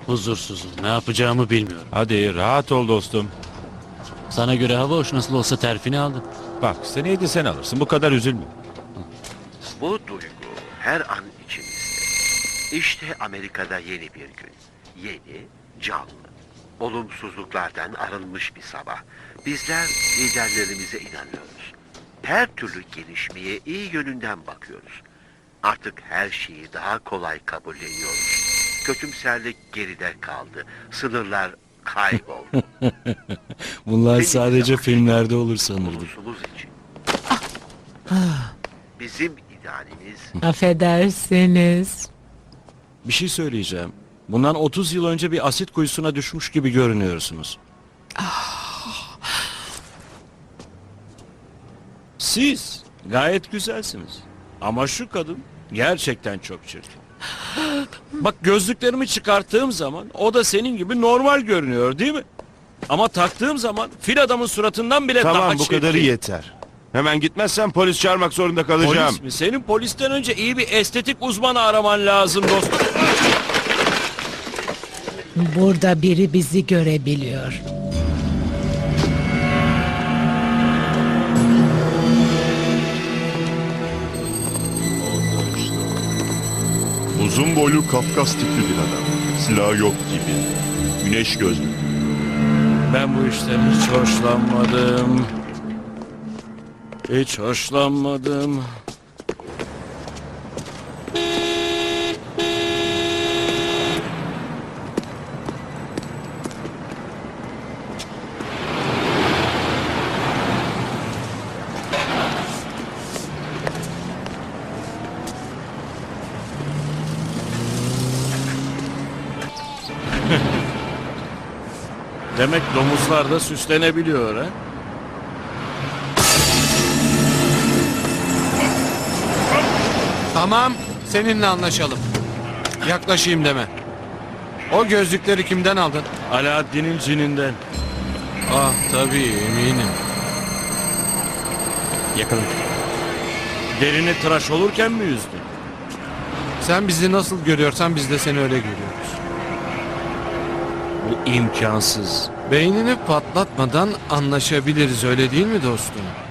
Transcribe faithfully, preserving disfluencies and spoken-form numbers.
Huzursuzum. Ne yapacağımı bilmiyorum. Hadi rahat ol dostum. Sana göre hava hoş, nasıl olsa terfini aldın. Bak seneye de sen alırsın, bu kadar üzülme. Bu duygu her an içimizde. İşte Amerika'da yeni bir gün. Yeni, canlı. Olumsuzluklardan arınmış bir sabah. Bizler liderlerimize inanıyoruz. Her türlü gelişmeye iyi yönünden bakıyoruz. Artık her şeyi daha kolay kabulleniyoruz. Kötümserlik geride kaldı. Sınırlar kayboldu. Bunlar Benim sadece zaman filmlerde olur sanırdım. Ulusumuz için. Bizim idealimiz Affedersiniz. Bir şey söyleyeceğim. Bundan otuz yıl önce bir asit kuyusuna düşmüş gibi görünüyorsunuz. Siz gayet güzelsiniz. Ama şu kadın gerçekten çok çirkin. Bak, gözlüklerimi çıkarttığım zaman o da senin gibi normal görünüyor, değil mi? Ama taktığım zaman fil adamın suratından bile daha Tamam, bu çirkin. kadarı yeter. Hemen gitmezsen polis çağırmak zorunda kalacağım. Polis mi? Senin polisten önce iyi bir estetik uzmanı araman lazım dostum. Burada biri bizi görebiliyor. Uzun boylu Kafkas tipli bir adam. Silahı yok gibi. Güneş gözlü. Ben bu işten hiç hoşlanmadım. Hiç hoşlanmadım. Demek domuzlar da süslenebiliyor ha? Tamam, seninle anlaşalım. Yaklaşayım deme. O gözlükleri kimden aldın? Alaaddin'in cininden. Ah tabii, eminim. Yakaladım. Derini tıraş olurken mi yüzdün? Sen bizi nasıl görüyorsan biz de seni öyle görüyoruz. Bu imkansız. Beynini patlatmadan anlaşabiliriz, öyle değil mi dostum?